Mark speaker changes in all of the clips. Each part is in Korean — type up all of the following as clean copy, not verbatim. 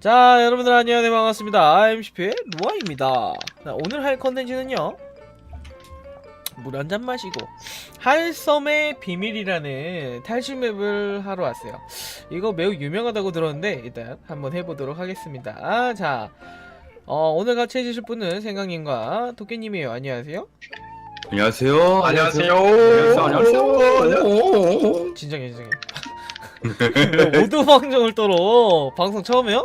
Speaker 1: 자, 여러분들 안녕하세요. 반갑습니다. MCP의 루아입니다. 자, 오늘 할 컨텐츠는요, 물 한잔 마시고 할섬의 비밀이라는 탈출 맵을 하러 왔어요. 이거 매우 유명하다고 들었는데 일단 한번 해보도록 하겠습니다. 자, 오늘 같이 해주실 분은 생강님과 토끼님이에요. 안녕하세요.
Speaker 2: 안녕하세요.
Speaker 3: 안녕하세요.
Speaker 2: 안녕하세요.
Speaker 1: 진정해. 왜 오두방정을 떨어? 방송 처음이요?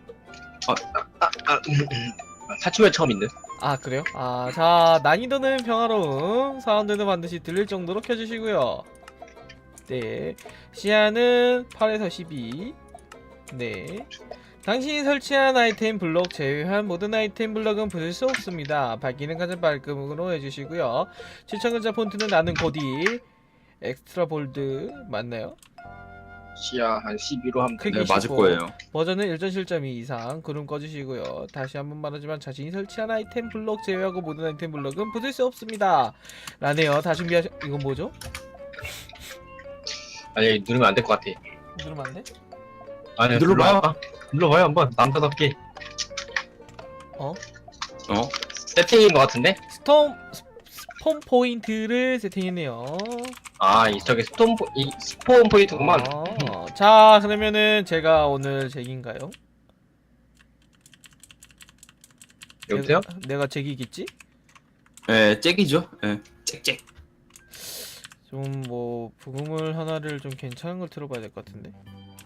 Speaker 3: 사춘회 처음인데.
Speaker 1: 아, 그래요? 아, 자, 난이도는 평화로움, 사운드는 반드시 들릴 정도로 켜주시고요. 네, 시야는 8에서 12. 네, 당신이 설치한 아이템 블록 제외한 모든 아이템 블록은 부술 수 없습니다. 밝기는 가장 밝음으로 해주시고요. 추천 글자 폰트는 나는 고디 엑스트라 볼드 맞나요?
Speaker 3: 시야 한 12로 하면
Speaker 1: 크기
Speaker 2: 네, 맞을
Speaker 1: 15.
Speaker 2: 거예요.
Speaker 1: 버전은 1.7.2 이상. 구름 꺼주시고요. 다시 한번 말하지만 자신이 설치한 아이템 블록 제외하고 모든 아이템 블록은 부술 수 없습니다 라네요. 다 준비하셔. 이건 뭐죠?
Speaker 3: 아니 누르면 안 될 것 같아.
Speaker 1: 누르면 안 돼?
Speaker 3: 아니
Speaker 2: 눌러봐.
Speaker 3: 눌러봐요 한번 남자답게.
Speaker 2: 어?
Speaker 3: 세팅인 것 같은데?
Speaker 1: 스폰 포인트를 세팅했네요.
Speaker 3: 아 저게 스폰 포인트구만.
Speaker 1: 자, 그러면은 제가 오늘 잭인가요?
Speaker 3: 여보세요?
Speaker 1: 내가 잭이겠지?
Speaker 2: 예, 잭이죠. 예, 잭.
Speaker 1: 좀 뭐 부금을 하나를 좀 괜찮은 걸 틀어봐야 될 것 같은데.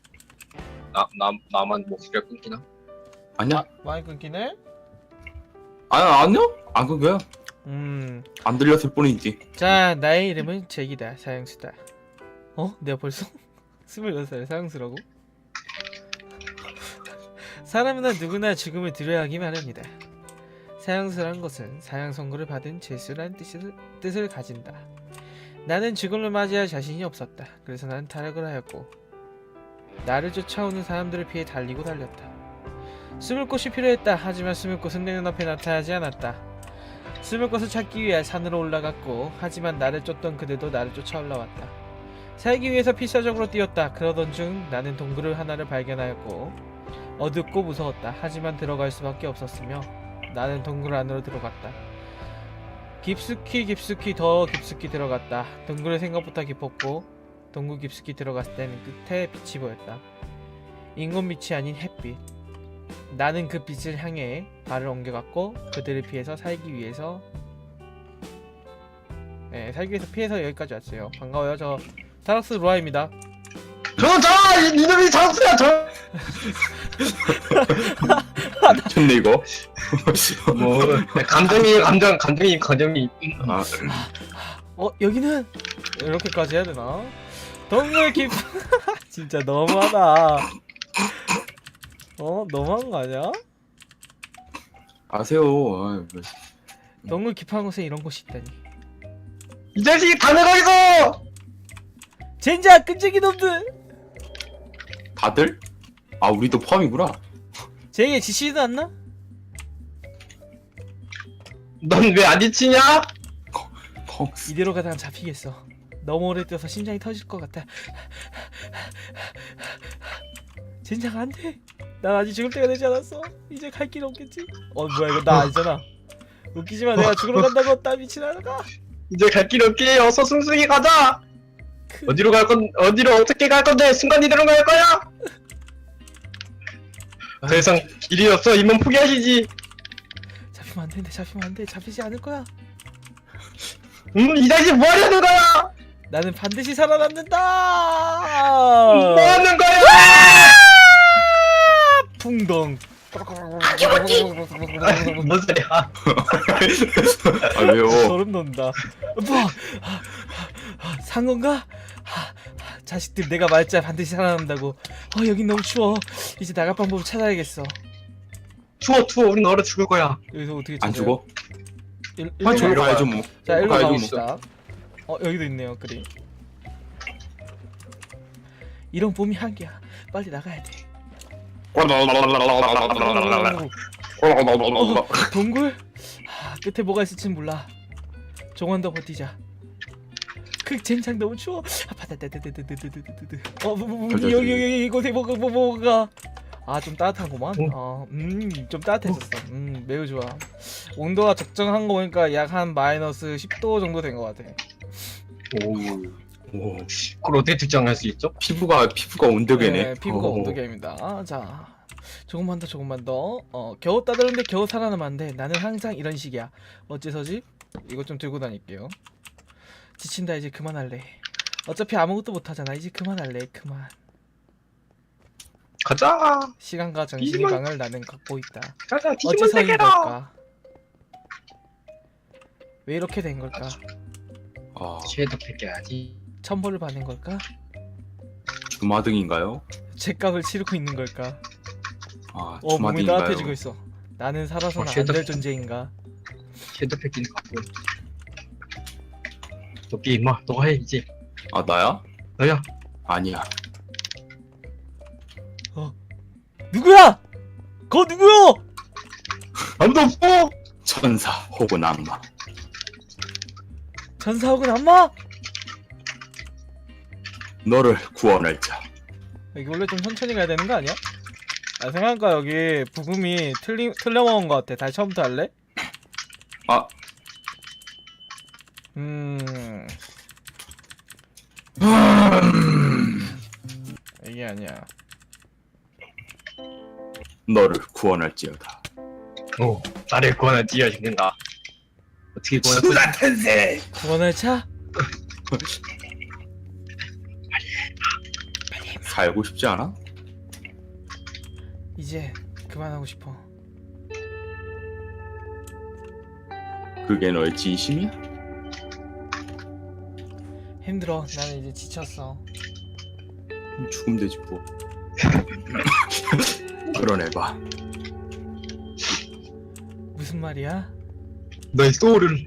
Speaker 3: 나만 목소리가 끊기나?
Speaker 2: 아니야?
Speaker 1: 많이 끊기네?
Speaker 2: 아니요? 안 그거야. 안 들렸을 뿐이지.
Speaker 1: 자, 나의 이름은 잭이다. 사형수다. 내가 벌써 26살 사형수라고? 사람이나 누구나 죽음을 두려워하기 마련이다. 사형수란 것은 사형 선고를 받은 죄수란 뜻을 가진다. 나는 죽음을 맞이할 자신이 없었다. 그래서 나는 타락을 하였고 나를 쫓아오는 사람들을 피해 달리고 달렸다. 숨을 곳이 필요했다. 하지만 숨을 곳은 내 눈앞에 나타나지 않았다. 숨을 곳을 찾기 위해 산으로 올라갔고 하지만 나를 쫓던 그들도 나를 쫓아 올라왔다. 살기 위해서 필사적으로 뛰었다. 그러던 중 나는 동굴을 하나를 발견하였고 어둡고 무서웠다. 하지만 들어갈 수밖에 없었으며 나는 동굴 안으로 들어갔다. 깊숙이 더 깊숙이 들어갔다. 동굴은 생각보다 깊었고 동굴 깊숙이 들어갔을 때는 끝에 빛이 보였다. 인공빛이 아닌 햇빛. 나는 그 빛을 향해 발을 옮겨갔고 그들을 피해서 살기 위해서 피해서 여기까지 왔어요. 반가워요. 저 타락스 루아입니다.
Speaker 3: 이놈이 장수야 저.
Speaker 2: 좋네 이거.
Speaker 3: 뭐 감정이.
Speaker 2: 아,
Speaker 1: 여기는 이렇게까지 해야 되나? 동굴 깊 진짜 너무하다. 너무한 거 아니야?
Speaker 2: 아세요.
Speaker 1: 동굴 깊은 곳에 이런 곳이 있다니.
Speaker 3: 이 자식이 다 내가 있어.
Speaker 1: 젠장 끈질기 놈들.
Speaker 2: 다들? 아, 우리도 포함이구나.
Speaker 1: 쟤에게 지시지도 않나?
Speaker 3: 넌 왜 안 지치냐?
Speaker 1: 이대로 가다가 잡히겠어. 너무 오래 뛰어서 심장이 터질 것 같아. 젠장 안돼. 난 아직 죽을 때가 되지 않았어. 이제 갈 길 없겠지? 뭐야 이거 나 아니잖아. 웃기지마. 내가 죽으러 간다고. 땀이 지나가.
Speaker 3: 이제 갈 길 없게 어서 숨쉬기 가자. 어디로 어떻게 갈 건데? 순간 이대로 갈 거야? 더 이상 길이 없어. 이만 포기하시지.
Speaker 1: 잡히면 안 되는데. 잡히면 안 돼. 잡히지 않을 거야.
Speaker 3: 이 자식 뭐 하려는 거야?
Speaker 1: 나는 반드시 살아남는다.
Speaker 3: 뭐 하는 거야?
Speaker 1: 풍덩.
Speaker 3: 뭔 소리야?
Speaker 2: 아, 왜요?
Speaker 1: 소름 돋는다. 산 건가? 자식들 내가 말자 반드시 살아남는다고. 여긴 너무 추워. 이제 나갈 방법을 찾아야겠어.
Speaker 3: 추워. 우린 얼어 죽을 거야.
Speaker 1: 여기서 어떻게
Speaker 2: 안
Speaker 1: 찾아요?
Speaker 2: 죽어?
Speaker 1: 일로
Speaker 2: 저로
Speaker 1: 가요.
Speaker 2: 가야죠 뭐.
Speaker 1: 자, 일로
Speaker 2: 가야죠,
Speaker 1: 가봅시다. 여기도 있네요. 그래. 이런 봄이 한계야. 빨리 나가야 돼. 동굴? 끝에 뭐가 있을진 몰라. 조금 더 버티자. 그 젠장 너무 추워. 바다다다다다다다다다. 여기 이곳에 뭐가. 아 좀 따뜻하구만. 좀 따뜻해졌어. 매우 좋아. 온도가 적정한 거 보니까 약 한 마이너스 10도 정도 된 것 같아.
Speaker 3: 오.
Speaker 2: 오,
Speaker 3: 그걸 어떻게 특정할 수 있죠?
Speaker 2: 피부가 온도계네.
Speaker 1: 네, 피부가
Speaker 2: 오.
Speaker 1: 온도계입니다. 자, 조금만 더. 겨우 따들었는데 겨우 살아남았는데 나는 항상 이런 식이야. 어째서지? 이거 좀 들고 다닐게요. 지친다. 이제 그만할래. 어차피 아무것도 못하잖아. 이제 그만할래. 그만.
Speaker 3: 가자.
Speaker 1: 시간과 정신의
Speaker 3: 이만-
Speaker 1: 방을 나는 갖고 있다.
Speaker 3: 가자.
Speaker 1: 어째서
Speaker 3: 뒤집어
Speaker 1: 인
Speaker 3: 세계로.
Speaker 1: 걸까? 왜 이렇게 된 걸까?
Speaker 2: 아,
Speaker 3: 쉐도 뺏겨야지.
Speaker 1: 천벌을 받는 걸까?
Speaker 2: 주마등인가요?
Speaker 1: 죗값을 치르고 있는 걸까?
Speaker 2: 아,
Speaker 1: 몸이
Speaker 2: 주마등인가요?
Speaker 1: 따뜻해지고 있어. 나는 살아서는 안 될 존재인가?
Speaker 3: 쉐도 뺏기는 갖고. 도끼 임마. 너가 해 이제.
Speaker 2: 아, 나야?
Speaker 3: 너야.
Speaker 2: 아니야.
Speaker 1: 누구야? 거 누구야?
Speaker 3: 아무도 없어.
Speaker 2: 천사 혹은 악마.
Speaker 1: 전사 혹은 악마?
Speaker 2: 너를 구원할 자.
Speaker 1: 여기 원래 좀 천천히 가야 되는 거 아니야? 아 생각하니까 여기 부금이 틀려먹은 거 같아. 다시 처음부터 할래?
Speaker 2: 아,
Speaker 1: 이게 아니야.
Speaker 2: 너를 구원할지어다.
Speaker 3: 오. 나를 구원할 지어 죽는다. 어떻게 구원할
Speaker 2: 텐세.
Speaker 1: 구원할 차?
Speaker 2: 살고 싶지 않아?
Speaker 1: 이제 그만하고 싶어.
Speaker 2: 그게 너의 진심이야?
Speaker 1: 힘들어. 나는 이제 지쳤어.
Speaker 2: 죽으면 되지 뭐. 그러내봐.
Speaker 1: 무슨 말이야?
Speaker 3: 너의 소울을.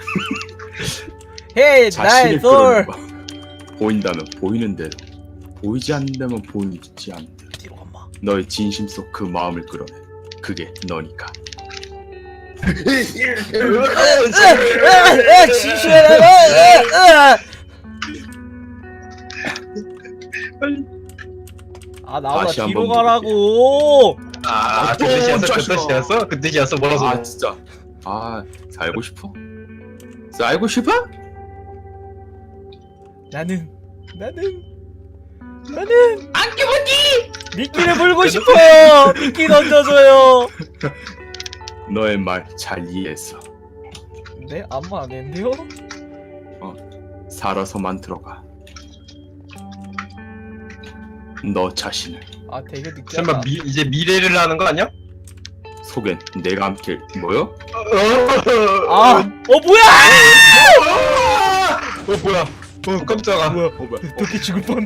Speaker 1: 헤이 나의
Speaker 2: 자신을
Speaker 1: 솔!
Speaker 2: 끌어내봐. 보인다면 보이는 대로, 보이지 않는다면 보이지 않는 대로.
Speaker 1: 뒤로 간마.
Speaker 2: 너의 진심 속 그 마음을 끌어내. 그게 너니까. 아 나보다 다시
Speaker 1: 뒤로
Speaker 2: 한번
Speaker 1: 가라고.
Speaker 3: 아, 그
Speaker 2: 또
Speaker 3: 뜻이었어? 그
Speaker 2: 자식아.
Speaker 3: 뜻이었어? 그 뜻이었어? 뭐라서?
Speaker 2: 아 진짜. 아 살고 싶어? 살고 싶어?
Speaker 1: 나는 안기모니 미끼를 물고 싶어요. 미끼 던져줘요.
Speaker 2: 너의 말 잘 이해했어.
Speaker 1: 네? 아무 안 했는데요?
Speaker 2: 살아서만 들어가. 너 자신을
Speaker 1: 아 되게 느끼하다.
Speaker 3: 설마 이제 미래를 하는 거 아니야?
Speaker 2: 속엔 내가 함께 뭐요?
Speaker 1: 아, 뭐야?
Speaker 3: 뭐야? 깜짝아.
Speaker 2: 뭐야?
Speaker 1: 도끼 죽을 뻔.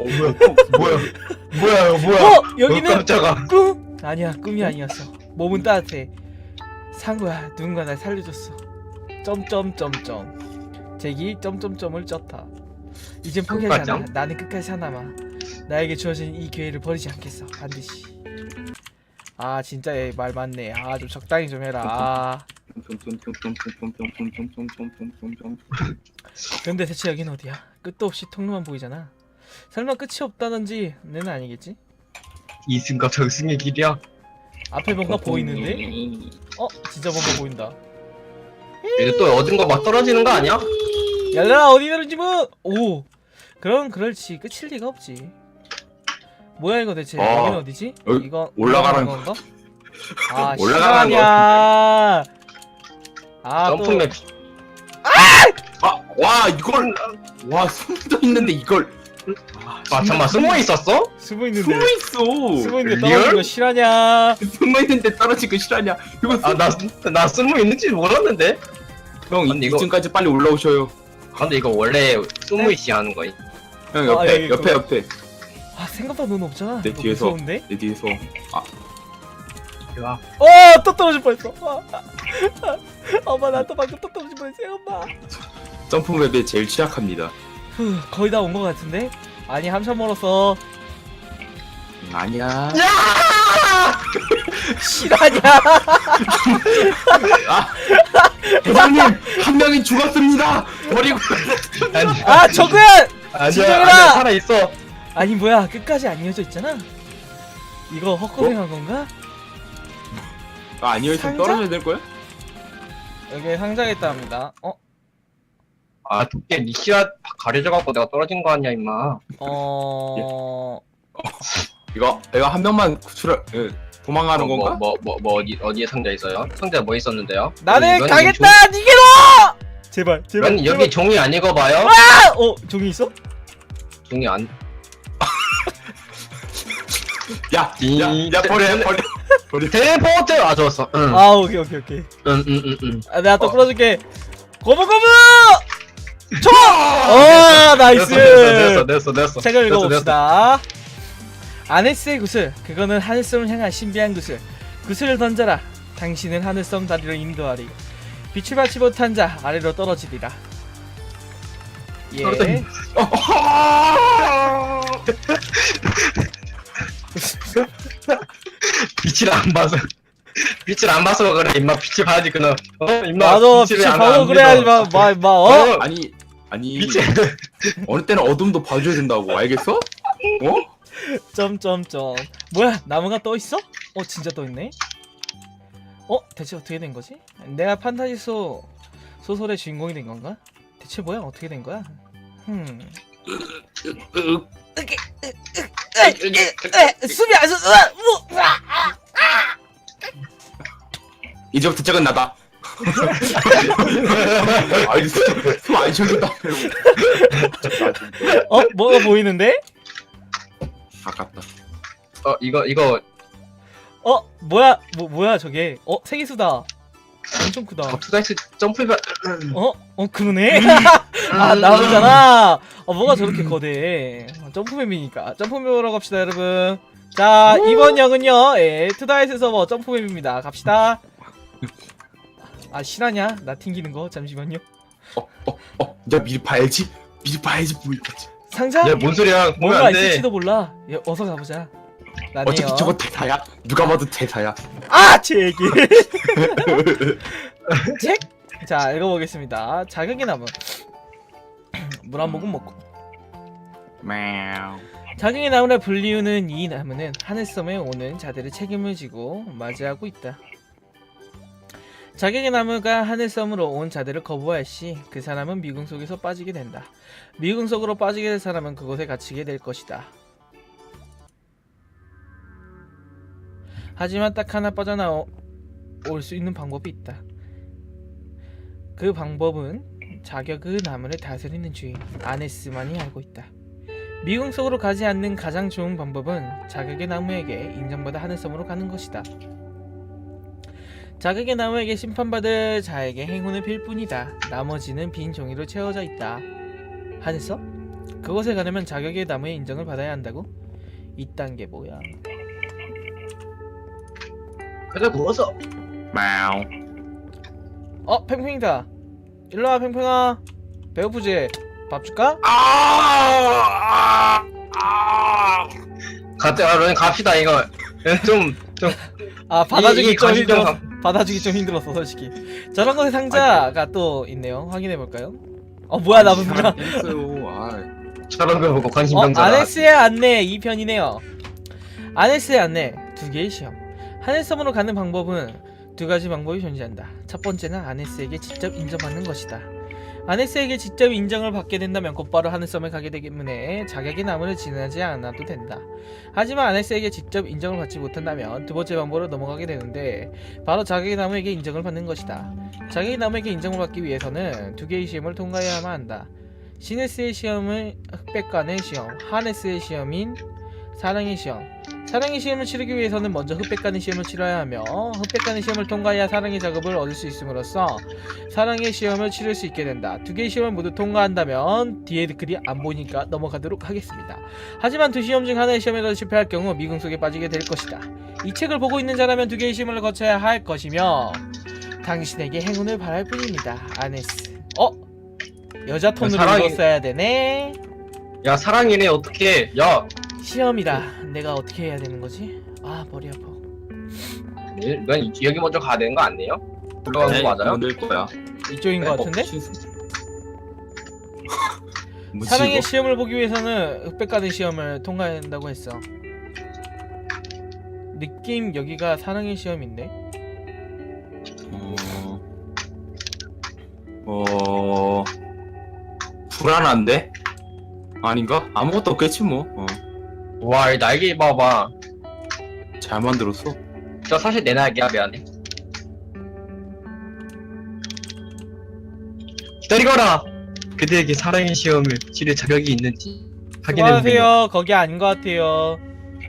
Speaker 3: 뭐야?
Speaker 1: 여기는
Speaker 3: 깜짝아.
Speaker 1: 꿈? 아니야, 꿈이 아니었어. 몸은 따뜻해. 산 거야. 누군가 날 살려줬어. 점점점점. 제기 점점점을 쪘다. 이젠 포기하지 않아.
Speaker 3: 끝까지요?
Speaker 1: 나는 끝까지 살아남아. 나에게 주어진 이 기회를 버리지 않겠어. 반드시. 아 진짜 얘 말 맞네. 아 좀 적당히 좀 해라. 아 근데 대체 여긴 어디야? 끝도 없이 통로만 보이잖아. 설마 끝이 없다든지 는 아니겠지?
Speaker 3: 이승과 저승의 길이야.
Speaker 1: 앞에 뭔가 보이는데? 진짜 뭔가 보인다.
Speaker 3: 이제 또 얻은 거 막 떨어지는 거 아니야?
Speaker 1: 얘들아 어디 들은지 뭐? 오 그럼 그럴지 끝일 리가 없지. 뭐야 이거 대체? 여긴 어디지?
Speaker 2: 여기
Speaker 1: 이거
Speaker 2: 올라가는
Speaker 1: 건가? 아
Speaker 2: 올라가는
Speaker 1: 실화냐? 아또
Speaker 3: 점프맵.
Speaker 2: 와 이걸 와 숨도 있는데 이걸
Speaker 3: 아 잠만 숨어 있었어?
Speaker 1: 숨어 있는데
Speaker 2: 숨어 있어.
Speaker 1: 숨어 있는데
Speaker 3: 리얼?
Speaker 1: 떨어진 거 실화냐?
Speaker 2: 숨어 있는데 떨어진 거 실화냐? 이거
Speaker 3: 나 숨어 있는지 몰랐는데.
Speaker 2: 형
Speaker 3: 근데 이거-
Speaker 2: 2층까지 빨리 올라오셔요.
Speaker 3: 근데 이거 원래 숨어 있이 하는 거야.
Speaker 2: 형 옆에
Speaker 1: 여기
Speaker 2: 옆에
Speaker 1: 아 생각보다 넌 없잖아.
Speaker 2: 내
Speaker 1: 이거
Speaker 2: 뒤에서.
Speaker 1: 무서운데?
Speaker 2: 내 뒤에서
Speaker 3: 야,
Speaker 1: 또 떨어질 뻔했어. 엄마 나 또 방금 또 떨어질 뻔했어요 엄마.
Speaker 2: 점프맵에 제일 취약합니다.
Speaker 1: 거의 다 온 거 같은데? 아니 한참 멀었어.
Speaker 2: 아니야.
Speaker 1: 실화냐?
Speaker 2: 대장님 한 명이 죽었습니다. 버리고
Speaker 1: 아 적은!
Speaker 3: 아니야,
Speaker 1: 진정해라!
Speaker 3: 아니야, 살아 있어.
Speaker 1: 아니 뭐야 끝까지 안 이어져 있잖아. 이거 헛고생한 건가?
Speaker 2: 아, 아니요, 있으면
Speaker 1: 상자?
Speaker 2: 떨어져야 될 거야?
Speaker 1: 여기 상자에 있다 합니다.
Speaker 3: 아 도끼 니 씨앗 가려져갖고 내가 떨어진 거 아니야 임마.
Speaker 2: 이거 한 명만 구출을 도망가는 건가?
Speaker 3: 뭐 어디에 상자 있어요? 상자 뭐 있었는데요?
Speaker 1: 나는
Speaker 3: 이건
Speaker 1: 가겠다! 니게로! 제발, 제발.
Speaker 3: 넌 여기 종이 안 읽어봐요?
Speaker 1: 아! 종이 있어?
Speaker 3: 종이 안.
Speaker 2: 야, 버려.
Speaker 3: 텔레포트! 아 좋았어. 응.
Speaker 1: 아, 오케이.
Speaker 3: 응.
Speaker 1: 아, 내가 또 끌어줄게. 고무고무! 총! 나이스!
Speaker 3: 됐어.
Speaker 1: 책을 읽어봅시다. 아네스의 구슬, 그거는 하늘섬을 향한 신비한 구슬. 구슬을 던져라. 당신은 하늘섬 다리로 인도하리. 빛을 받지 못한 자 아래로 떨어지리라. 예.
Speaker 3: 빛을 안 봐서 그래 임마. 빛을 봐야지 그놈. 임마.
Speaker 1: 나도 빛을 봐서 그래야지 마.
Speaker 2: 아니
Speaker 3: 빛을.
Speaker 2: 어느 때는 어둠도 봐줘야 된다고, 알겠어? 어?
Speaker 1: 점점점. 뭐야, 나무가 떠 있어? 진짜 떠 있네. 대체 어떻게 된 거지? 내가 판타지 소설의 주인공이 된 건가? 대체 뭐야, 어떻게 된 거야? 숨이 안 쉬어.
Speaker 2: 이제부터 적은 나다. 아니, 숨안 쉬어준다.
Speaker 1: 뭐가 보이는데?
Speaker 2: 아깝다.
Speaker 3: 이거
Speaker 1: 뭐야 저게? 세계수다. 엄청 크다.
Speaker 3: 투다이스 점프해봐.
Speaker 1: 그러네? 나오잖아. 뭐가 저렇게 거대해. 점프맵이니까. 점프맵으로 갑시다, 여러분. 자, 이번 역은요, 투다이스 서버 점프맵입니다. 갑시다. 실화냐? 나 튕기는 거? 잠시만요.
Speaker 2: 야, 미리 봐야지 보이겠지.
Speaker 1: 상자?
Speaker 3: 야뭔 소리야? 보면
Speaker 1: 뭔가
Speaker 3: 안 돼.
Speaker 1: 있을지도 몰라. 어서 가보자. 나네요.
Speaker 2: 어차피 저거 대사야. 누가 봐도 대사야.
Speaker 1: 제 얘기. 책? 자, 읽어보겠습니다. 자격의 나무. 물 한 모금 먹고. 자격의 나무라 불리우는 이 나무는 하늘섬에 오는 자들의 책임을 지고 맞이하고 있다. 자격의 나무가 하늘섬으로 온 자들을 거부할 시 그 사람은 미궁 속에서 빠지게 된다. 미궁 속으로 빠지게 될 사람은 그곳에 갇히게 될 것이다. 하지만 딱 하나 빠져나올 수 있는 방법이 있다. 그 방법은 자격의 나무를 다스리는 주인 아네스만이 알고 있다. 미궁 속으로 가지 않는 가장 좋은 방법은 자격의 나무에게 인정받아 하늘섬으로 가는 것이다. 자격의 나무에게 심판받을 자에게 행운을 빌 뿐이다. 나머지는 빈 종이로 채워져 있다. 하늘섬? 그곳에 가려면 자격의 나무의 인정을 받아야 한다고? 이딴 게 뭐야?
Speaker 3: 그래 부어서.
Speaker 1: 팽팽이다. 일로와 팽팽아. 배고프지? 밥 줄까?
Speaker 3: 갑시다 이거. 좀
Speaker 1: 받아주기 좀
Speaker 3: 감시 좀
Speaker 1: 힘들었어. 받아주기 좀 힘들었어 솔직히. 저런 곳에 상자가 또 있네요. 확인해볼까요? 뭐야 나 뭐야.
Speaker 3: 저런 거 보고 관심병자다.
Speaker 1: 아네스의 안내 2편이네요. 아네스의 안내 2개의 시험. 하늘섬으로 가는 방법은 2가지 방법이 존재한다. 첫 번째는 아네스에게 직접 인정받는 것이다. 아네스에게 직접 인정을 받게 된다면 곧바로 하늘섬에 가게 되기 때문에 자격의 나무를 지나지 않아도 된다. 하지만 아네스에게 직접 인정을 받지 못한다면 두 번째 방법으로 넘어가게 되는데 바로 자격의 나무에게 인정을 받는 것이다. 자격의 나무에게 인정을 받기 위해서는 2개의 시험을 통과해야만 한다. 시네스의 시험을 흑백관의 시험, 하네스의 시험인 사랑의 시험. 사랑의 시험을 치르기 위해서는 먼저 흑백관의 시험을 치러야 하며 흑백관의 시험을 통과해야 사랑의 작업을 얻을 수 있음으로써 사랑의 시험을 치를 수 있게 된다. 2개의 시험을 모두 통과한다면 뒤에 글이 안 보이니까 넘어가도록 하겠습니다. 하지만 2시험 중 하나의 시험에서 실패할 경우 미궁 속에 빠지게 될 것이다. 이 책을 보고 있는 자라면 2개의 시험을 거쳐야 할 것이며 당신에게 행운을 바랄 뿐입니다. 아네스. 여자 톤으로 읽었어야 되네.
Speaker 3: 야 사랑이네 어떡해. 야
Speaker 1: 시험이다. 내가 어떻게 해야 되는 거지? 머리 아파.
Speaker 3: 넌 여기 먼저 가야 되는 거 아니에요? 들어가는 거 맞아요?
Speaker 2: 늘 거야.
Speaker 1: 이쪽인 것 같은데? 사랑의 시험을 보기 위해서는 흑백가든 시험을 통과해야 한다고 했어. 느낌 여기가 사랑의 시험인데.
Speaker 2: 불안한데? 아닌가? 아무것도 없겠지 뭐.
Speaker 3: 와, 이 날개 봐봐.
Speaker 2: 잘 만들었어.
Speaker 3: 저 사실 내 날개야, 미안해. 기다리거라! 그대에게 사랑의 시험을 치를 자격이 있는지 확인해보겠노.
Speaker 1: 수고하세요. 거기 아닌 것 같아요.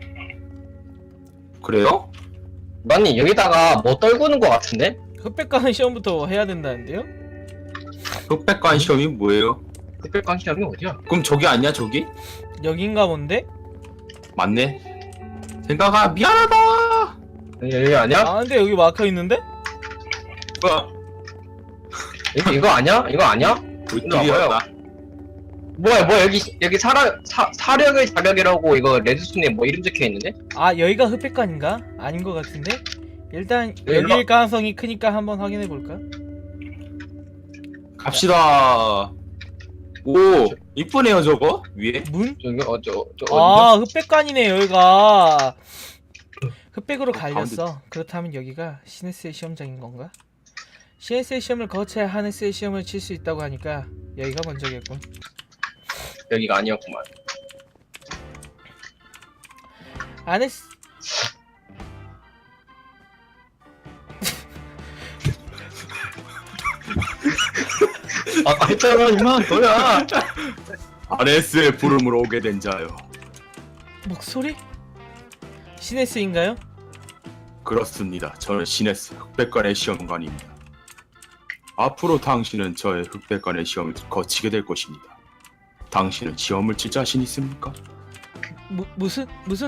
Speaker 2: 그래요?
Speaker 3: 아니, 여기다가 뭐 떨구는 것 같은데?
Speaker 1: 흑백 가는 시험부터 해야 된다는데요?
Speaker 2: 흑백관 시험이 뭐예요?
Speaker 3: 흑백관 시험이 어디야?
Speaker 2: 그럼 저기 아니야 저기?
Speaker 1: 여긴가 본데?
Speaker 2: 맞네. 생각아 미안하다.
Speaker 3: 여기 아니야?
Speaker 1: 아 근데 여기 막혀 있는데?
Speaker 2: 뭐야?
Speaker 3: 이거 아니야? 이거 아니야?
Speaker 2: 불길이었다.
Speaker 3: 뭐야, 여기 사력의 자격이라고 이거 레드스톤에 뭐 이름 적혀 있는데?
Speaker 1: 아 여기가 흑백관인가? 아닌 것 같은데? 일단
Speaker 3: 여기가-
Speaker 1: 여기일 가능성이 크니까 한번 확인해 볼까?
Speaker 2: 갑시다. 오 이쁘네요 저거 위에.
Speaker 1: 문?
Speaker 3: 저기 어디야?
Speaker 1: 아 흑백관이네 여기가. 흑백으로 갈렸어. 그렇다면 여기가 시네스의 시험장인 건가? 시네스의 시험을 거쳐야 하네스의 시험을 칠 수 있다고 하니까 여기가 먼저겠군.
Speaker 3: 여기가 아니었구만.
Speaker 1: 하네스
Speaker 3: 아까 했잖아, 임마, 너야.
Speaker 2: 아레스의 부름으로 오게 된 자요.
Speaker 1: 목소리? 시네스인가요?
Speaker 2: 그렇습니다. 저는 시네스 흑백관의 시험관입니다. 앞으로 당신은 저의 흑백관의 시험을 거치게 될 것입니다. 당신은 시험을 칠 자신 있습니까?
Speaker 1: 무슨?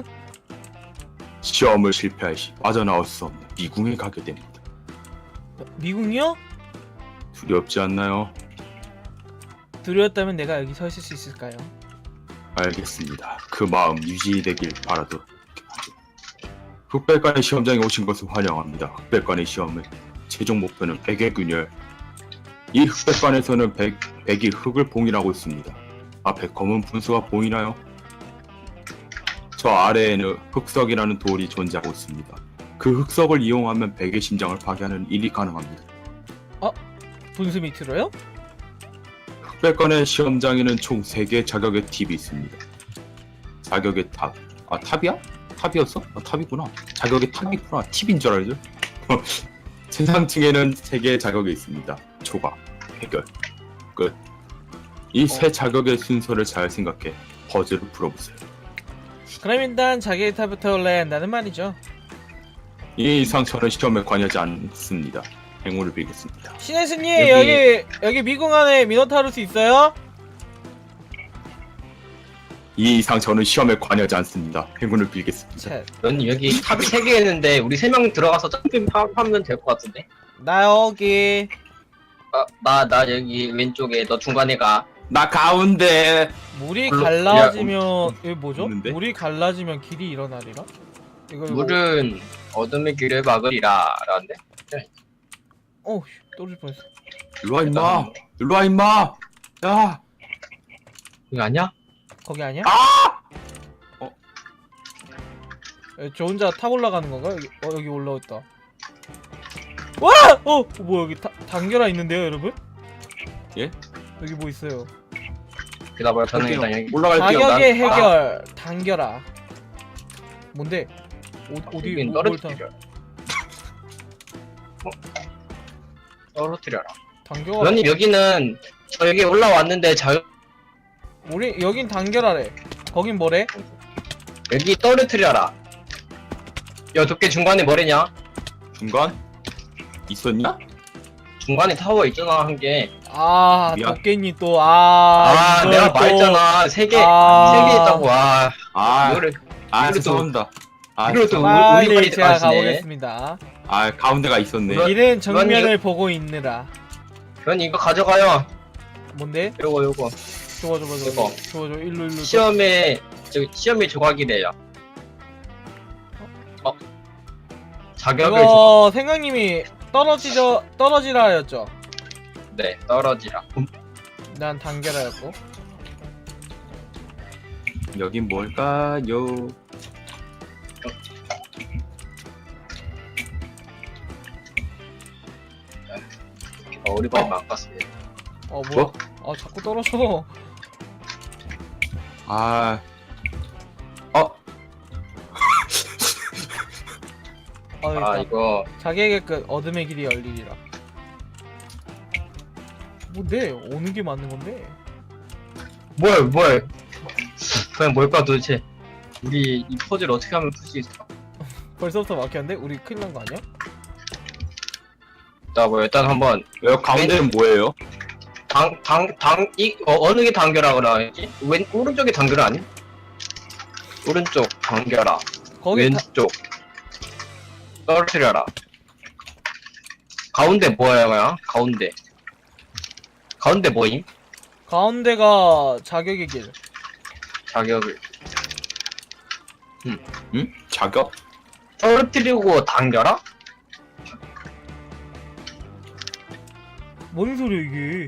Speaker 2: 시험을 실패할 시 빠져나올 수 없는 미궁에 가게 됩니다.
Speaker 1: 미궁이요?
Speaker 2: 두렵지 않나요?
Speaker 1: 두려웠다면 내가 여기 서 있을 수 있을까요?
Speaker 2: 알겠습니다. 그 마음 유지되길 바라도 흑백관의 시험장에 오신 것을 환영합니다. 흑백관의 시험의 최종 목표는 백의 균열. 이 흑백관에서는 백이 흑을 봉인하고 있습니다. 앞에 검은 분수가 보이나요? 저 아래에는 흑석이라는 돌이 존재하고 있습니다. 그 흑석을 이용하면 백의 심장을 파괴하는 일이 가능합니다.
Speaker 1: 분수 밑으로요?
Speaker 2: 흑백관의 시험장에는 총 3개의 자격의 팁이 있습니다. 자격의 탑. 아 탑이야? 탑이었어? 아 탑이구나. 자격의 탑이 있구나. 팁인 줄 알죠? 최상층에는 3개의 자격이 있습니다. 초과, 해결, 끝. 이 세 자격의 순서를 잘 생각해 퍼즐을 풀어보세요.
Speaker 1: 그럼 일단 자기의 탑부터 올라야 한다는 말이죠.
Speaker 2: 이 이상 저는 시험에 관여하지 않습니다. 행운을 빌겠습니다.
Speaker 1: 시네스님 여기 미궁 안에 미노타우루스 있어요?
Speaker 2: 이 이상 저는 시험에 관여하지 않습니다. 행운을 빌겠습니다.
Speaker 1: 자,
Speaker 3: 넌 여기 탑이 3개 있는데 우리 3명 들어가서 점핑하면 될 것 같은데?
Speaker 1: 나 여기.
Speaker 3: 나 여기 왼쪽에, 너 중간에 가.
Speaker 2: 나 가운데.
Speaker 1: 물이
Speaker 3: 물로-
Speaker 1: 갈라지면 이거 뭐죠?
Speaker 2: 없는데?
Speaker 1: 물이 갈라지면 길이 일어나리라? 이거
Speaker 3: 물은 어둠의 길을 막으리라 라는데?
Speaker 1: 어 떨어질 뻔했어.
Speaker 2: 일로와 임마. 일로와 임마. 야.
Speaker 3: 이거 아니야?
Speaker 1: 거기 아니야?
Speaker 2: 어?
Speaker 1: 저 혼자 탑 올라가는 건가? 여기 올라왔다. 와! 뭐 여기 단결화 있는데요, 여러분?
Speaker 2: 예?
Speaker 1: 여기 뭐 있어요?
Speaker 3: 기다려봐, 저는 일단 여기.
Speaker 2: 올라갈게요.
Speaker 1: 가격의
Speaker 3: 난-
Speaker 1: 해결 단결화. 뭔데? 어디
Speaker 3: 여긴
Speaker 1: 뭘
Speaker 3: 떨어뜨려. 떨어뜨려라.
Speaker 1: 단결화?
Speaker 3: 너님 여기는 저 여기 올라왔는데
Speaker 1: 우리 여긴 단결하래. 거긴 뭐래?
Speaker 3: 여기 떨어뜨려라. 야, 도깨 중간에 뭐래냐?
Speaker 2: 중간? 있었냐?
Speaker 3: 중간에 타워 있잖아, 한 개.
Speaker 1: 아
Speaker 2: 미안.
Speaker 1: 도깨니 또 이걸
Speaker 3: 내가
Speaker 1: 또-
Speaker 3: 말했잖아. 3개,
Speaker 1: 아.
Speaker 3: 3개 있다고. 와,
Speaker 2: 아,
Speaker 3: 이거를
Speaker 2: 아
Speaker 3: 이거를
Speaker 2: 죄송합니다. 아,
Speaker 3: 이거를 또
Speaker 2: 죄송합니다.
Speaker 3: 우리
Speaker 1: 빨리
Speaker 3: 빨리
Speaker 1: 제가
Speaker 3: 들어가시네.
Speaker 1: 가보겠습니다.
Speaker 2: 아 가운데가 있었네.
Speaker 3: 이거-
Speaker 1: 길은 정면을
Speaker 3: 이거-
Speaker 1: 보고 있느라.
Speaker 3: 넌 이거 가져가요.
Speaker 1: 뭔데?
Speaker 3: 요거.
Speaker 1: 좋아
Speaker 3: 이거.
Speaker 1: 일로
Speaker 3: 시험에 조각이래요. 자격을
Speaker 1: 이거 생강님이 떨어지라 하였죠.
Speaker 3: 네, 떨어지라.
Speaker 1: 난 단결하였고.
Speaker 2: 여긴 뭘까요?
Speaker 3: 오리발만 안 깠습니다.
Speaker 1: 뭐야? 아 자꾸 떨어져.
Speaker 2: 아,
Speaker 3: 아, 이거
Speaker 1: 자기에게 끝 어둠의 길이 열리리라. 뭔데? 어느 게 맞는 건데?
Speaker 3: 뭐야? 그냥 뭘까 도대체? 우리 이 퍼즐 어떻게 하면 풀 수 있을까?
Speaker 1: 벌써부터 막혔는데? 우리 큰일 난 거 아니야?
Speaker 3: 자, 뭐 일단 한번
Speaker 2: 여기 가운데는 뭐예요?
Speaker 3: 어느 게 단결하 그러지? 오른쪽이 단결 아니? 오른쪽 단결하.
Speaker 1: 거기
Speaker 3: 왼쪽 떨어뜨려라. 가운데 뭐야? 가운데 뭐임?
Speaker 1: 가운데가 자격의 길.
Speaker 3: 자격을
Speaker 2: 응? 자격?
Speaker 3: 떨어뜨리고 당겨라?
Speaker 1: 뭔 소리야 이게?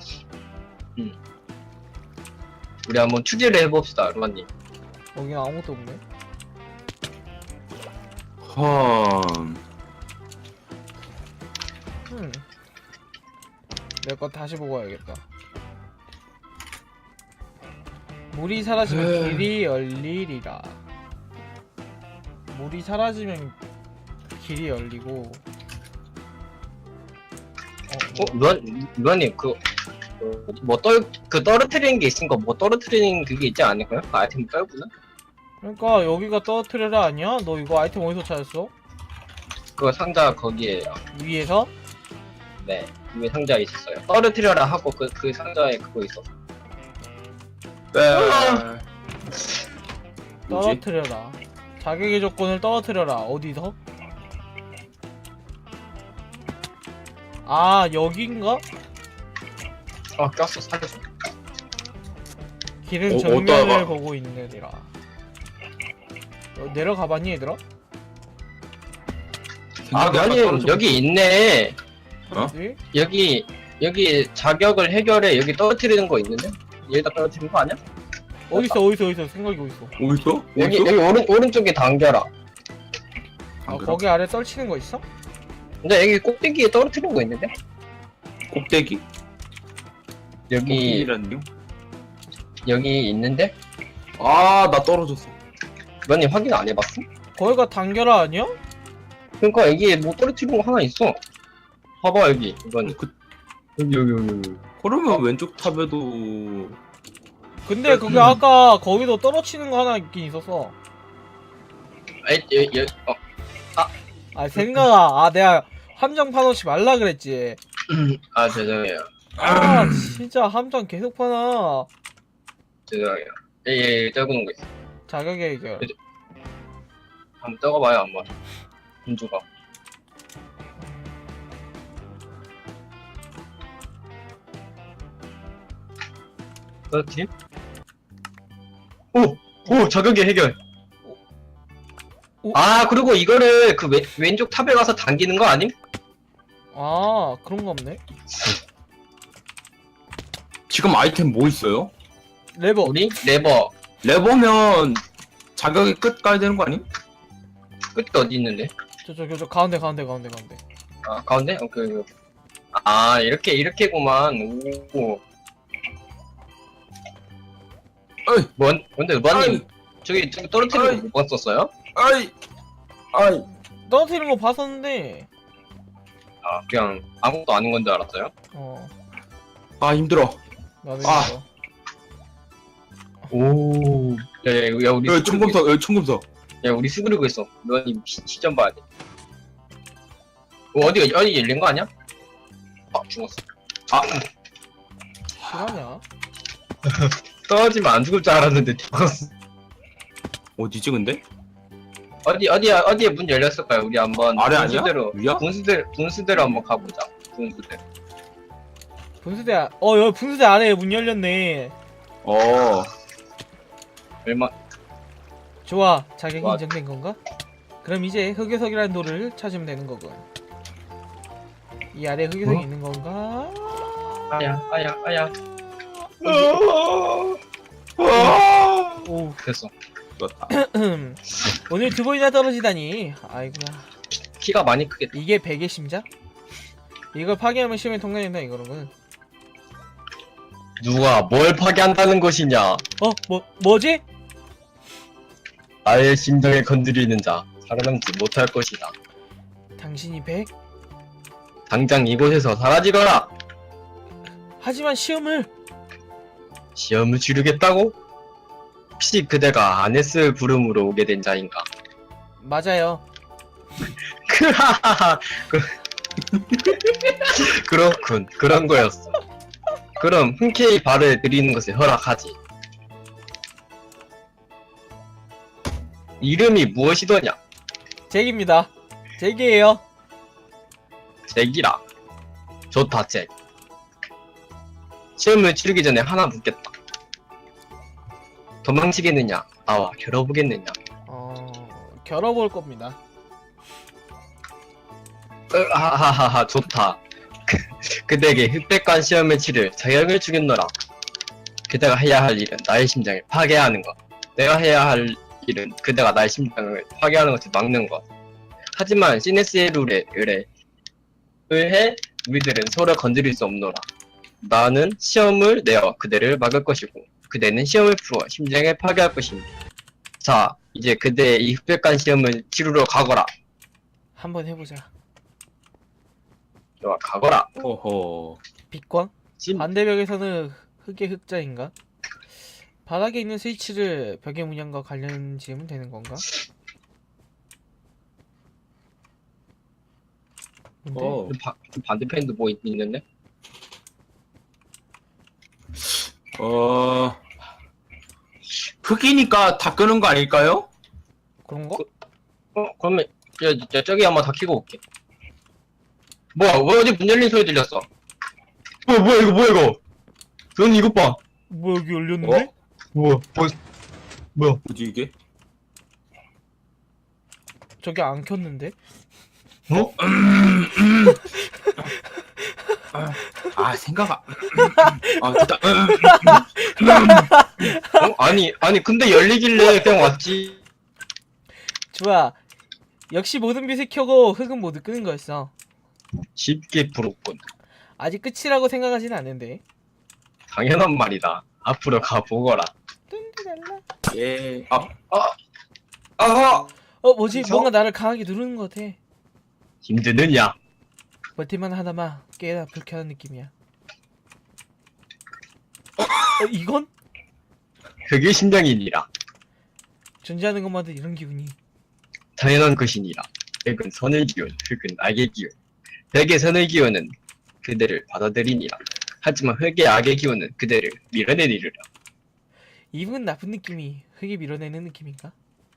Speaker 3: 우리 한번 추리를 해봅시다, 루아님.
Speaker 1: 여기 아무것도 없네. 내 거 다시 보고 와야겠다. 물이 사라지면 길이 열리리라. 물이 사라지면 길이 열리고.
Speaker 3: 루아님, 떨어뜨리는 게 있으니까 뭐 떨어뜨리는 그게 있지 않을까요? 그 아이템 떨구나?
Speaker 1: 그러니까 여기가 떨어뜨려라 아니야? 너 이거 아이템 어디서 찾았어?
Speaker 3: 그거 상자 거기에요.
Speaker 1: 위에서?
Speaker 3: 네, 위에 상자에 있었어요. 떨어뜨려라 하고 그 상자에 그거 있었어.
Speaker 2: 뭐지?
Speaker 1: 떨어뜨려라. 자격의 조건을 떨어뜨려라. 어디서? 아 여긴가?
Speaker 3: 꼈어, 살려줘.
Speaker 1: 길은
Speaker 2: 어디다가?
Speaker 1: 정면을 보고 있느니라. 내려가봤니 얘들아?
Speaker 3: 루아님, 여기 있네.
Speaker 2: 어?
Speaker 1: 어디?
Speaker 3: 여기 자격을 해결해. 여기 떨어뜨리는 거 있는데? 여기다 떨어뜨리는 거 아니야?
Speaker 1: 어딨어 생각이 어딨어.
Speaker 2: 어딨어?
Speaker 3: 여기
Speaker 2: 어딨어?
Speaker 3: 오른쪽에 당겨라.
Speaker 1: 아 거기 아래 떨치는 거 있어?
Speaker 3: 근데 여기 꼭대기에 떨어뜨리는 거 있는데?
Speaker 2: 꼭대기?
Speaker 3: 여기
Speaker 2: 꼭대기라니요?
Speaker 3: 여기 있는데?
Speaker 2: 아, 나 떨어졌어.
Speaker 3: 루아님 확인 안 해봤어?
Speaker 1: 거기가 단결아 아니야?
Speaker 3: 그러니까 여기에 뭐 떨어뜨리는 거 하나 있어. 봐봐 여기 이건
Speaker 2: 그,
Speaker 3: 여기.
Speaker 2: 그러면 왼쪽 탑에도
Speaker 1: 근데 그게 아까 거기도 떨어치는 거 하나 있긴 있었어. 아 생각아, 내가 함정 파놓지 말라 그랬지.
Speaker 3: 아 죄송해요.
Speaker 1: 아 진짜 함정 계속 파놔.
Speaker 3: 죄송해요. 예, 떨구는 거 있어.
Speaker 1: 자격의 해결.
Speaker 3: 한번 떨궈봐요 한번. 은주가. 떨어뜨림? 오 자격의 해결.
Speaker 1: 오.
Speaker 3: 아 그리고 이거를 그 왼쪽 탑에 가서 당기는 거 아님?
Speaker 1: 아 그런 거 없네.
Speaker 2: 지금 아이템 뭐 있어요?
Speaker 1: 레버.
Speaker 3: 우리 레버
Speaker 2: 레버면 자격의 끝 가야 되는 거 아니?
Speaker 3: 끝이 어디 있는데?
Speaker 1: 저 가운데.
Speaker 3: 아 가운데? 오케이. 아 이렇게구만. 오.
Speaker 2: 어이,
Speaker 3: 뭔데 루아님 저기 떨어뜨리는 거 못 봤었어요?
Speaker 2: 아이,
Speaker 1: 떨어뜨리는 거 봤었는데.
Speaker 3: 아 그냥 아무것도 아닌 건 줄 알았어요?
Speaker 2: 아 힘들어.
Speaker 1: 나도
Speaker 2: 아.
Speaker 1: 이거.
Speaker 3: 오. 야 우리
Speaker 2: 여기 총검석, 여기 총검석.
Speaker 3: 야 우리 수그리고 있어. 루아님 시점 봐야 돼. 어디 열린 거 아니야? 아 죽었어. 아
Speaker 1: 실화냐?
Speaker 3: 떨어지면 안 죽을 줄 알았는데 죽었어.
Speaker 2: 어디지 근데?
Speaker 3: 어디에 문 열렸을까요? 우리 한번
Speaker 2: 아래 아니야?
Speaker 3: 분수대로
Speaker 2: 위야?
Speaker 3: 분수대로 한번 가보자. 분수대.
Speaker 1: 분수대 여기 분수대 아래에 문 열렸네.
Speaker 3: 얼마?
Speaker 1: 좋아, 자격이
Speaker 3: 좋아.
Speaker 1: 인정된 건가? 그럼 이제 흑요석이라는 돌을 찾으면 되는 거군. 이 아래 흑요석이 있는 건가?
Speaker 3: 아야.
Speaker 1: 오,
Speaker 3: 됐어.
Speaker 2: 좋았다.
Speaker 1: 오늘 두 번이나 떨어지다니. 아이고야.
Speaker 3: 키가 많이 크겠다.
Speaker 1: 이게 베개 심자? 이걸 파괴하면 시험에 통과된다 이거는.
Speaker 3: 누가 뭘 파괴한다는 것이냐?
Speaker 1: 뭐지?
Speaker 3: 나의 심장을 건드리는 자 살아남지 못할 것이다.
Speaker 1: 당신이 100?
Speaker 3: 당장 이곳에서 사라지거라.
Speaker 1: 하지만 시험을
Speaker 3: 시험을 치르겠다고? 혹시 그대가 아네스 부름으로 오게 된 자인가?
Speaker 1: 맞아요.
Speaker 3: 크하하하. 그렇군. 그런 거였어. 그럼 흔쾌히 발을 들이는 것을 허락하지. 이름이 무엇이더냐?
Speaker 1: 잭입니다. 잭이에요.
Speaker 3: 잭이라. 좋다, 잭. 시험을 치르기 전에 하나 묻겠다. 도망치겠느냐? 나와 겨뤄보겠느냐?
Speaker 1: 겨뤄볼 겁니다.
Speaker 3: 하하하하, 좋다. 그대에게 흑백관 시험을 치를 자격을 주겠노라. 그대가 해야 할 일은 나의 심장을 파괴하는 것. 내가 해야 할 일은 그대가 나의 심장을 파괴하는 것을 막는 것. 하지만 시네스의 룰에 의해 우리들은 서로 건드릴 수 없노라. 나는 시험을 내어 그대를 막을 것이고 그대는 시험을 풀어 심장을 파괴할 것입니다. 자, 이제 그대의 이 흑백관 시험을 치르러 가거라.
Speaker 1: 한번 해보자.
Speaker 3: 좋아, 가거라.
Speaker 2: 어허.
Speaker 1: 빛광?
Speaker 3: 심...
Speaker 1: 반대벽에서는 흑의 흑자인가? 바닥에 있는 스위치를 벽의 문양과 관련 지으면 되는 건가? 뭔데?
Speaker 3: 반대편도 뭐 있는데?
Speaker 2: 흑이니까 다 끄는 거 아닐까요?
Speaker 1: 그런 거?
Speaker 3: 그러면 저기 한번 다 켜고 올게. 뭐야, 왜 어디 문 열린 소리 들렸어? 뭐야 이거? 전 이것 봐.
Speaker 1: 뭐야 여기 열렸는데?
Speaker 3: 뭐야?
Speaker 2: 뭐지 이게?
Speaker 1: 저기 안 켰는데?
Speaker 3: 어?
Speaker 2: 생각 됐다.
Speaker 3: 아니 근데 열리길래 그냥 왔지.
Speaker 1: 좋아. 역시 모든 빛을 켜고 흑은 모두 끄는 거였어.
Speaker 3: 쉽게 풀었군.
Speaker 1: 아직 끝이라고 생각하진 않는데.
Speaker 3: 당연한 말이다. 앞으로 가보거라.
Speaker 1: 뚠드랄라.
Speaker 2: 예.
Speaker 1: 뭐지?
Speaker 3: 어디서?
Speaker 1: 뭔가 나를 강하게 누르는 것 같아.
Speaker 3: 힘드느냐?
Speaker 1: 버티만 하다마 꽤나 불쾌한 느낌이야. 이건?
Speaker 3: 그게 심장이니라.
Speaker 1: 존재하는 것마다 이런 기분이.
Speaker 3: 당연한 것이니라. 백은 선을 기운, 흑은 악의 기운. 백의 선을 기운은 그대를 받아들이니라. 하지만 흑의 악의 기운은 그대를 밀어내리라.
Speaker 1: 이분 나쁜 느낌이 흑이 밀어내는 느낌인가?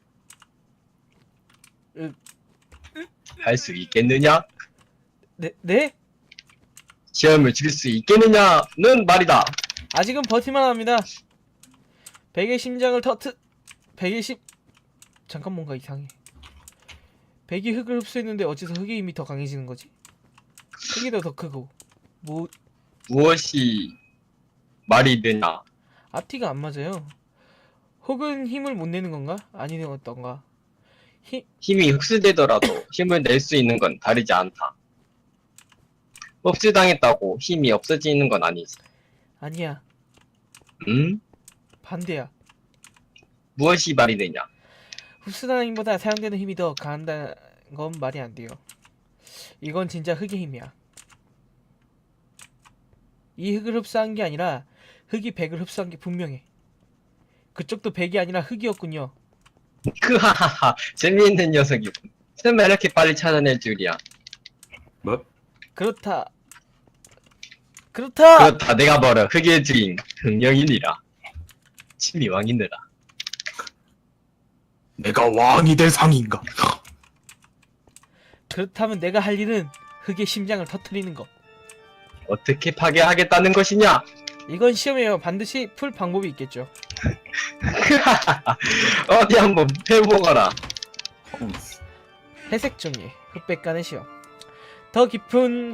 Speaker 3: 할 수 있겠느냐?
Speaker 1: 네?
Speaker 3: 시험을 칠 수 있겠느냐는 말이다.
Speaker 1: 아직은 버티만 합니다. 백의 심장을 백의 잠깐 뭔가 이상해. 백이 흑을 흡수했는데 어째서 흑의 힘이 더 강해지는 거지? 흑이 더 크고
Speaker 3: 무엇이 말이 되냐?
Speaker 1: 앞뒤가 안 맞아요. 혹은 힘을 못 내는 건가? 아니면 어떤가?
Speaker 3: 힘이 흡수되더라도 힘을 낼 수 있는 건 다르지 않다. 흡수당했다고 힘이 없어지는 건 아니지.
Speaker 1: 아니야. 반대야.
Speaker 3: 무엇이 말이 되냐?
Speaker 1: 흡수하는 힘보다 사용되는 힘이 더 강한다는 건 말이 안 돼요. 이건 진짜 흑의 힘이야. 이 흑을 흡수한 게 아니라 흑이 백을 흡수한 게 분명해. 그쪽도 백이 아니라 흑이었군요.
Speaker 3: 크하하하, 재미있는 녀석이군. 설마 이렇게 빨리 찾아낼 줄이야.
Speaker 2: 뭐?
Speaker 1: 그렇다.
Speaker 3: 그렇다, 내가 바로 흑의 주인 흑령이니라. 침이 왕이느라.
Speaker 2: 내가 왕이 될 상인가?
Speaker 1: 그렇다면 내가 할 일은 흑의 심장을 터뜨리는 거.
Speaker 3: 어떻게 파괴하겠다는 것이냐?
Speaker 1: 이건 시험에 반드시 풀 방법이 있겠죠.
Speaker 3: 어디 한번 해보거라.
Speaker 1: 회색 종이 흑백간의 시험. 더 깊은